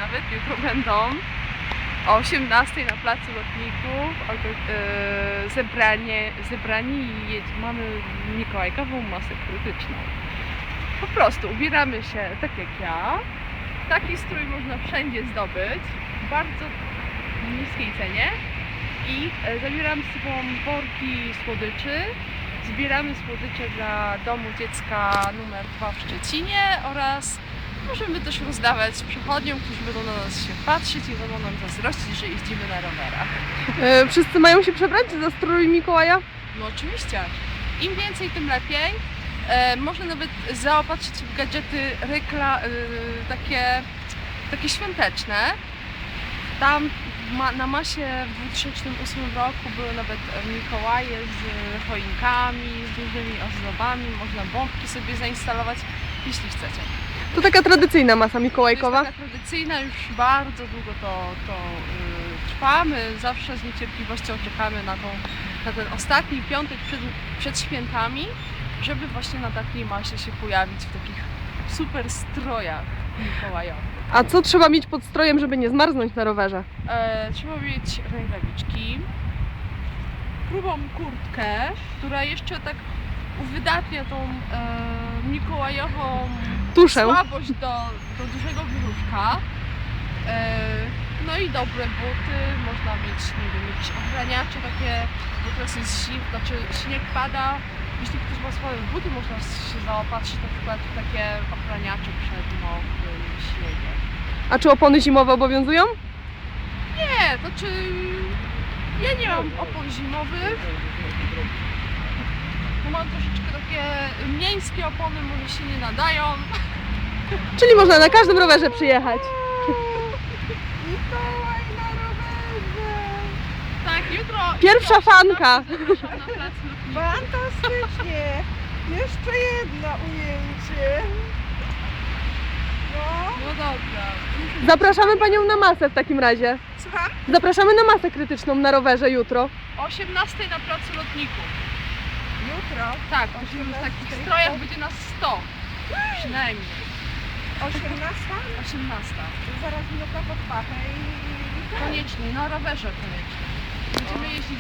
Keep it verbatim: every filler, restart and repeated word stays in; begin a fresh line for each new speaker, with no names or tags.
nawet jutro będą o osiemnastej na placu Lotników yy, zebranie, zebrani i jedź, mamy mikołajkową masę krytyczną. Po prostu ubieramy się tak jak ja. Taki strój można wszędzie zdobyć w bardzo niskiej cenie i e, zabieramy z sobą worki słodyczy. Zbieramy słodycze dla Domu Dziecka numer dwa w Szczecinie oraz możemy też rozdawać przechodniom, którzy będą na nas się patrzeć i będą nam zazdrościć, że jeździmy na rowerach.
E, wszyscy mają się przebrać za strój Mikołaja?
No oczywiście. Im więcej, tym lepiej. E, można nawet zaopatrzyć się w gadżety rekla, e, takie, takie świąteczne. Tam ma, na masie w dwa tysiące ósmym roku były nawet Mikołaje z choinkami, z różnymi ozdobami. Można bombki sobie zainstalować, jeśli chcecie.
To taka tradycyjna masa
To
mikołajkowa.
jest taka tradycyjna, już bardzo długo to, to yy, trwa. My zawsze z niecierpliwością czekamy na, tą, na ten ostatni piątek przed, przed świętami, żeby właśnie na takiej masie się pojawić w takich super strojach mikołajowych.
A co trzeba mieć pod strojem, żeby nie zmarznąć na rowerze?
E, trzeba mieć rękawiczki, grubą kurtkę, która jeszcze tak uwydatnia tą e, mikołajową
Tuszę.
słabość do, do dużego brzuszka. E, no i dobre buty, można mieć, nie wiem, jakieś ochraniacze takie, bo teraz jest zim, znaczy śnieg pada. Jeśli ktoś ma słabe buty, można się zaopatrzyć na przykład w takie ochraniacze przed mokrym śniegiem.
A czy opony zimowe obowiązują?
Nie, to czy ja nie mam opon zimowych. Bo mam troszeczkę takie miejskie opony, może się nie nadają.
Czyli można na każdym rowerze przyjechać.
Mikołaj na rowerze!
Tak, jutro.
Pierwsza
jutro
fanka.
zapraszam na plac Lotników.
Fantastycznie! Jeszcze jedno ujęcie. No.
No dobra.
Zapraszamy Panią na masę w takim razie.
Słucham?
Zapraszamy na masę krytyczną na rowerze jutro.
O osiemnastej na placu Lotników.
Jutro.
Tak, w takich strojach będzie nas sto. Przynajmniej.
osiemnasta?
osiemnasta.
Zaraz minuta pod pachę i...
Koniecznie, na rowerze koniecznie. Będziemy jeździć